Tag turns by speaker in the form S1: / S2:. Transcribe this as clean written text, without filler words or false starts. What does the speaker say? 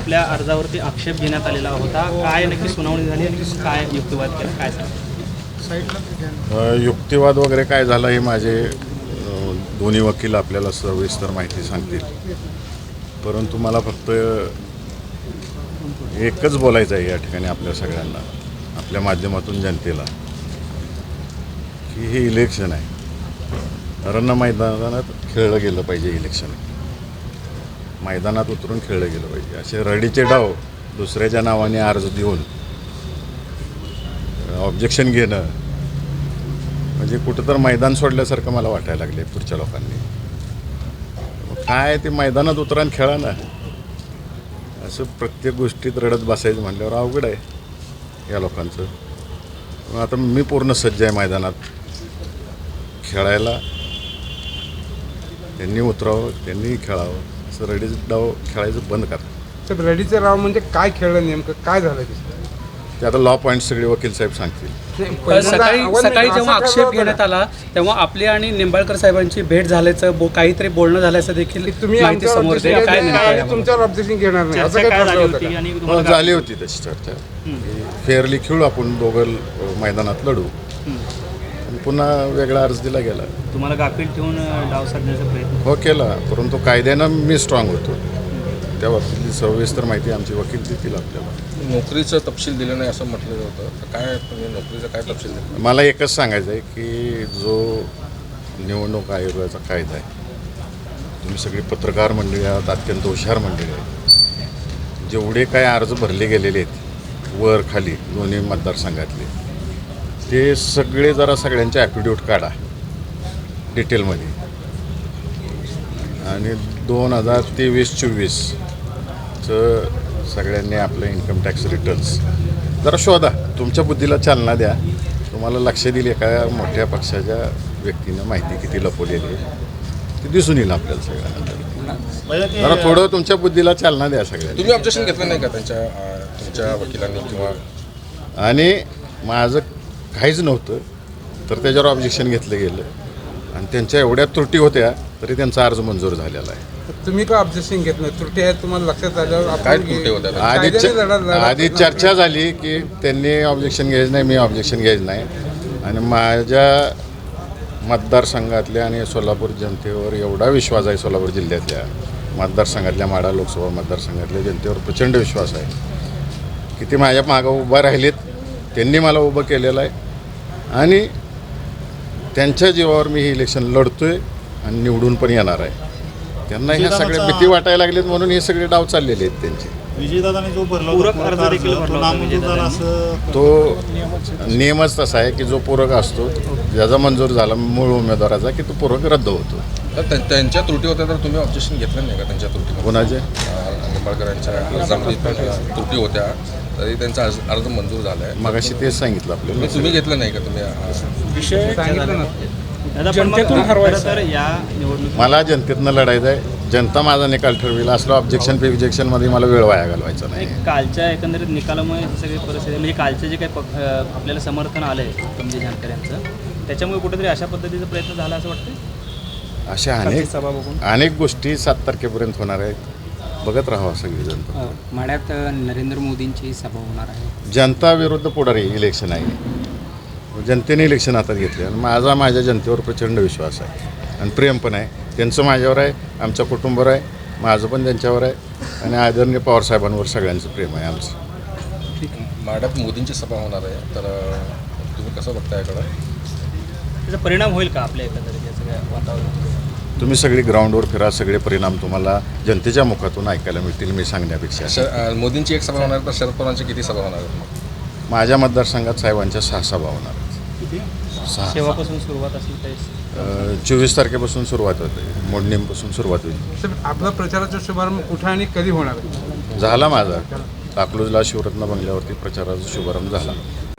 S1: आपल्या अर्जावरती आक्षेप घेण्यात आलेला होता. काय नक्की सुनावणी झाली आणि काय युक्तिवाद केला, काय सांगा?
S2: युक्तिवाद वगैरे काय झाला हे माझे दोन्ही वकील आपल्याला सविस्तर माहिती सांगतील. परंतु मला फक्त एकच बोलायचं आहे या ठिकाणी आपल्या सगळ्यांना, आपल्या माध्यमातून जनतेला, की हे इलेक्शन आहे. रण मैदानात खेळलं गेलं पाहिजे. इलेक्शन मैदानात उतरून खेळलं गेलं पाहिजे. असे रडीचे डाव दुसऱ्याच्या नावाने अर्ज देऊन ऑब्जेक्शन घेणं म्हणजे कुठं तर मैदान सोडल्यासारखं मला वाटायला लागले पुढच्या लोकांनी. काय ते मैदानात उतरा आणि खेळा ना. असं प्रत्येक गोष्टीत रडत बसायचं म्हटल्यावर अवघड आहे या लोकांचं. मग आता मी पूर्ण सज्ज आहे मैदानात खेळायला. त्यांनी उतरावं, त्यांनी खेळावं. असं रडीचं डाव खेळायचं बंद करा.
S3: तर रडीचं राव म्हणजे काय खेळलं, नेमकं काय झालं
S2: ते आता लॉ पॉईंट सगळे वकील साहेब सांगतील.
S1: सकाळी जेव्हा आक्षेप घेण्यात आला तेव्हा आपली आणि निंबाळकर साहेबांची भेट झाल्याचं काहीतरी बोलणं झाल्याचं देखील
S3: तुम्ही
S1: माहिती समोर येते. काय नेमकं
S3: तुमच्यावर ऑब्जेक्शन घेणार नाही असं काय ठरलं होतं का?
S2: झाली होती तशी चर्चा. फेअरली खेळू आपण दोघं मैदानात लढू. पुन्हा वेगळा अर्ज दिला गेला.
S1: तुम्हाला गाफील ठेवून डाव साधण्याचा प्रयत्न
S2: हो केला, परंतु कायद्यानं मी स्ट्रॉंग होतो. त्या बाबतीतली सविस्तर माहिती आमची वकील देतील आपल्याला.
S4: नोकरीचं तपशील दिलं नाही असं म्हटलं होतं, तर काय तुम्ही नोकरीचं काय तपशील दिलं?
S2: मला एकच सांगायचं आहे की जो निवडणूक आयोगाचा कायदा आहे, तुम्ही सगळी पत्रकार मंडळी आहात, अत्यंत हुशार मंडळी आहेत. जेवढे काय अर्ज भरले गेलेले आहेत वर खाली दोन्ही मतदारसंघातले, ते सगळे जरा सगळ्यांचे ॲफिडेविट काढा डिटेलमध्ये. आणि 2023-24चं सगळ्यांनी आपलं इन्कम टॅक्स रिटर्न्स जरा शोधा. तुमच्या बुद्धीला चालना द्या. तुम्हाला लक्ष दिली एका मोठ्या पक्षाच्या व्यक्तीनं माहिती किती लपवलेली आहे ती दिसून येईल आपल्याला सगळ्यांना. जरा थोडं तुमच्या बुद्धीला चालना द्या सगळ्यांना.
S4: तुम्ही ऑब्जेक्शन घेतलं नाही का तुमच्या वकिलांनी किंवा?
S2: आणि माझं काहीच नव्हतं तर त्याच्यावर ऑब्जेक्शन घेतलं गेलं आणि त्यांच्या एवढ्या त्रुटी होत्या तरी त्यांचा अर्ज मंजूर झालेला आहे.
S3: तुम्ही का ऑब्जेक्शन घेत नाही? त्रुटी आहेत तुम्हाला लक्षात आल्यावर
S4: काय त्रुटी होत्या?
S2: आधी चर्चा झाली की त्यांनी ऑब्जेक्शन घ्यायचं नाही, मी ऑब्जेक्शन घ्यायचं नाही. आणि माझ्या मतदारसंघातल्या आणि सोलापूर जनतेवर एवढा विश्वास आहे, सोलापूर जिल्ह्यातल्या मतदारसंघातल्या माढा लोकसभा मतदारसंघातल्या जनतेवर प्रचंड विश्वास आहे की ते माझ्या मागं उभं राहिलेत. त्यांनी मला उभं केलेलं आहे आणि त्यांच्या जीवावर मी हे इलेक्शन लढतोय आणि निवडून पण येणार आहे. त्यांना ह्या सगळ्या भीती वाटायला लागलीत म्हणून हे सगळे डाव चाललेले आहेत त्यांचे.
S5: विजयदादाने जो भरला
S1: पूरक अर्ज देखील भरला होता विजयदादांनी.
S5: असं
S2: तो नियमच तसा आहे की जो पूरक असतो, ज्याचा मंजूर झाला मूळ उमेदवाराचा, की तो पूरक रद्द होतो.
S4: तर त्यांच्या त्रुटी होत्या तर तुम्ही ऑब्जेक्शन घेतलं नाही का त्यांच्या त्रुटी?
S2: कोणाचे?
S4: निंबाळकरांच्या अर्जामध्ये पण त्रुटी होत्या तरी त्यांचा अर्ज मंजूर झाला आहे.
S2: मगाशी तेच सांगितलं आपल्याला.
S4: तुम्ही घेतलं नाही का तुम्ही?
S1: विषय सांगितलं ना जनतेतून ठरवायचं. तर या निवडणूक
S2: मला जनतेतनं लढायचं आहे. जनता माझा निकाल ठरवेल. असलं ऑब्जेक्शनमध्ये मला वेळ वाया घालवायचा नाही.
S1: कालच्या एकंदरीत निकालामुळे ही सगळी परिस्थिती म्हणजे कालचं जे काही आपल्याला समर्थन आलं आहे म्हणजे जानकर यांचं, त्याच्यामुळे कुठेतरी अशा पद्धतीचा प्रयत्न झाला असं वाटतं.
S2: अशा
S1: सभा बघून
S2: अनेक गोष्टी 7 तारखेपर्यंत होणार आहेत. बघत राहावं सगळी जनता.
S6: माढ्यात नरेंद्र मोदींची सभा होणार आहे.
S2: जनता विरुद्ध पुढारी इलेक्शन आहे. जनतेने इलेक्शन हातात घेतले आणि माझ्या जनतेवर प्रचंड विश्वास आहे आणि प्रेम पण आहे. त्यांचं माझ्यावर आहे, आमच्या कुटुंबावर आहे, माझं पण त्यांच्यावर आहे आणि आदरणीय पवारसाहेबांवर सगळ्यांचं प्रेम आहे आमचं.
S4: माढ्यात मोदींची सभा होणार आहे, तर तुम्ही कसं बघताय याकडं?
S1: त्याचा परिणाम होईल का आपल्या एकंदरीत या सगळ्या वातावरणात?
S2: तुम्ही सगळी ग्राउंडवर फिरा, सगळे परिणाम तुम्हाला जनतेच्या मुखातून ऐकायला मिळतील मी सांगण्यापेक्षा.
S4: मोदींची एक सभा होणार तर शरद पवारांची किती सभा होणार आहेत मग?
S2: माझ्या मतदारसंघात साहेबांच्या 6 सभा होणार.
S1: शेवापासून सुरुवात असेल तर
S2: 24 तारखेपासून सुरुवात होते. मोडणीपासून सुरुवात होईल.
S3: साहेब, आपला प्रचाराचा शुभारंभ कुठं आणि कधी होणार आहे?
S2: झाला माझा. अकलूजला शिवरत्न बंगल्यावरती प्रचाराचा शुभारंभ झाला.